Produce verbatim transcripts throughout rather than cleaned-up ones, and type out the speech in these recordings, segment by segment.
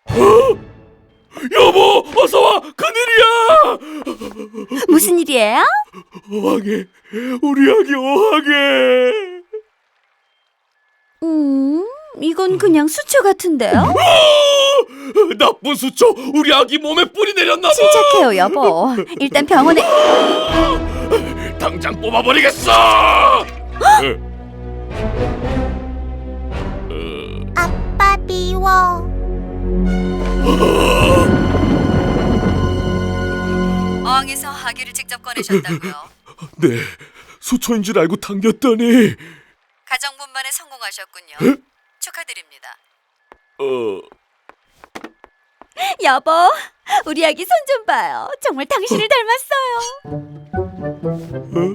여보, 어서 와. 큰일이야. 무슨 일이에요? 어항에 우리 아기 어항에. 음, 이건 그냥 수초 같은데요? 나쁜 수초 우리 아기 몸에 뿌리 내렸나봐. 침착해요, 여보. 일단 병원에. 당장 뽑아버리겠어. 아빠 미워. 어항에서 아기를 직접 꺼내셨다고요? 네, 수초인 줄 알고 당겼더니 가정분만에 성공하셨군요. 축하드립니다. 어... 여보, 우리 아기 손 좀 봐요. 정말 당신을 닮았어요.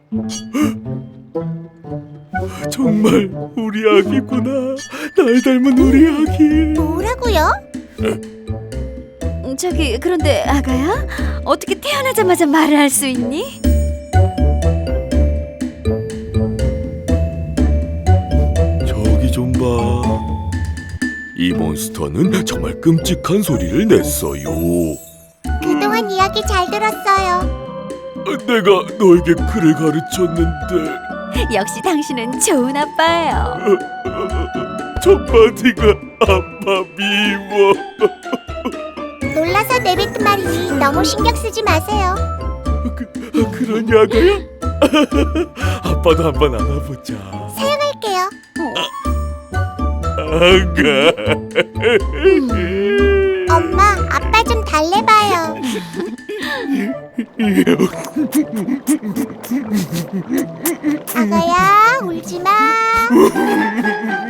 정말 우리 아기구나. 날 닮은 우리 아기. 뭐라고요? 음, 저기 그런데 아가야, 어떻게 태어나자마자 말을 할 수 있니? 저기 좀 봐. 이 몬스터는 정말 끔찍한 소리를 냈어요. 그동안 이야기 잘 들었어요. 내가 너에게 글을 가르쳤는데 역시 당신은 좋은 아빠예요. 첫 마디가 아빠 미워. 놀라서 내뱉은 말이니 너무 신경 쓰지 마세요. 그, 그런 야가야? 아빠도 한번 안아보자. 사용할게요. 아가. 엄마, 아빠 좀 달래봐요. 아가야, 울지 마.